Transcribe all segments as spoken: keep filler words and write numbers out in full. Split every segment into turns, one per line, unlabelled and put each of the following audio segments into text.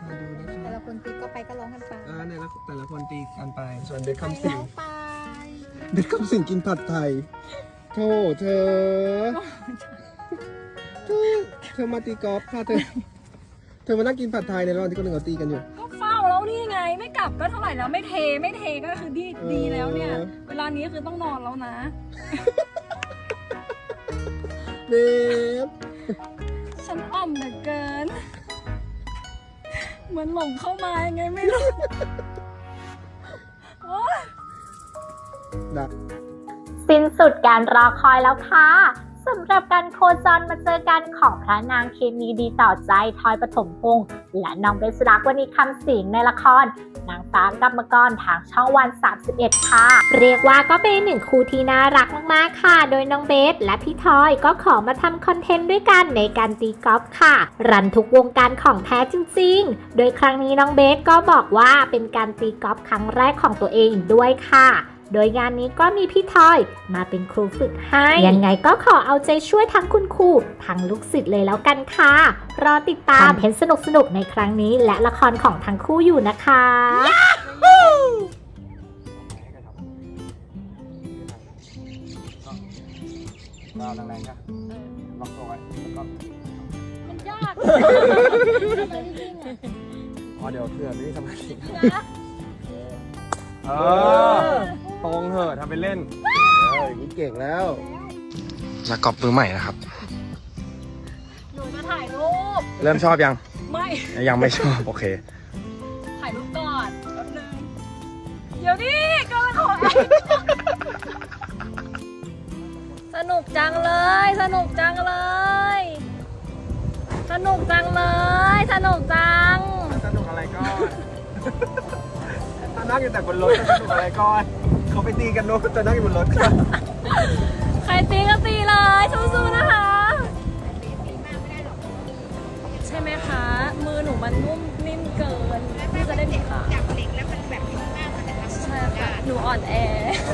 มาดูนะค
แต่
รับ
ละคนตีก็ไปก็ร้องกันไป
อ่าเนี่ยแล้วแต่ละคนตีกันไป ส่วนเด็กคำสิง
ไป
เด็กคำสิงกินผัดไทยโธ่เธอเธอเธอมาตีกอล์ฟค่ะเธอ เธอมานั่งกินผัดไทยในระหว่างที่คนอื่นเขาตีกันอยู่
ก็เฝ้าแล้วนี่ไงไม่กลับก็เท่าไหร่แล้วไม่เทไม่เทก็คือดีดีแล้วเนี่ย เวลานี้คือต้องนอนแล้วนะ
เบฟ
ฉันอ่อมเหลือเกิน เหมือนหลงเข้ามายังไงไม่รู้โอ๊ย
ดัก
สิ้นสุดการรอคอยแล้วค่ะสำหรับการโคจรมาเจอกันของพระนางเคมีดีต่อใจทอยปฐมพงษ์และน้องเบสรักวณีคำสิงในละครนางฟ้ากรรมกรทางช่องวันสามสิบเอ็ดค่ะเรียกว่าก็เป็นหนึ่งคู่ที่น่ารักมากๆค่ะโดยน้องเบสและพี่ทอยก็ขอมาทำคอนเทนต์ด้วยกันในการตีกอล์ฟค่ะรันทุกวงการของแท้จริงๆโดยครั้งนี้น้องเบสก็บอกว่าเป็นการตีกอล์ฟครั้งแรกของตัวเองด้วยค่ะโดยงานนี้ก็มีพี่ทอยมาเป็นครูฝึกให้ยังไงก็ขอเอาใจช่วยทั้งคุณครูทั้งลูกศิษย์เลยแล้วกันค่ะรอติดตามเห็นสนุกๆในครั้งนี้และละครของทั้งคู่อยู่นะคะ
ดาวแรงๆค่ะล็อกตัวไว้ก็
มันยาก
อ๋อเดี๋ยวเพื่อนไม่มีสมาธิเออตรงเถอะทำเป็นเล่นเอออย่างนี้เก่งแล้วนักกอล์ฟมือใหม่นะครับ
หนูจะถ่ายรูป
เริ่มชอบยัง
ไม่
ยังไม่ชอบ โอเค
ถ่ายรูปก่อนแป๊บนึงเดี๋ยวดิก็ขอสนุกจังเลย สนุกจังเลย สนุกจังเลย สนุกจัง
สนุกอะไรก่อนถ้านั่งอยู่แต่บนรถจะสนุกอะไรก่อน เขาไปตีกันโน้ตจะนั่งอยู่บนรถค่ะ
ใครตีก็ตีเลยสู้ๆนะคะ ใช่ไหมคะ มือหนูมันนุ่มนิ่มเกินที่จะได้มีขาจับเหล็กแล้วมันแบบนิ่มมากมันจะทำใช่ค่ะ หนูอ่อนแอ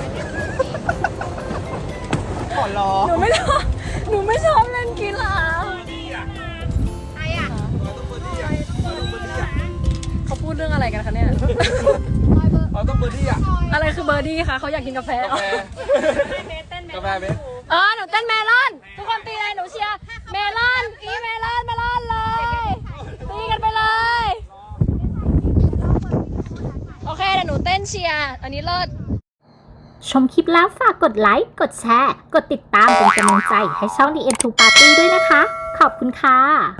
ขอร้อง
หนูไม่ชอบหนูไม่ชอบเล่นกีฬาเขาพูดเรื่องอะไรกันคะเนี่ย
เราต้องเบอร์ดี้อ่ะ
อะไรคือเบอร์ดี้คะเขาอยากกินกาแฟ
กาแฟกาแฟเบส
เออหนูเต้นเมลอน ทุกคนตีเลยหนูเชียร์เมลอนอีเมลอนเมลอนเลยตีกันไปเลย โอเคเดี๋ยวหนูเต้นเชียร์อันนี้เลิศ
ชมคลิปแล้วฝากกดไลค์กดแชร์กดติดตามเป็นกำลังใจให้ช่อง ดี เอ็ม ทู Party ด้วยนะคะขอบคุณค่ะ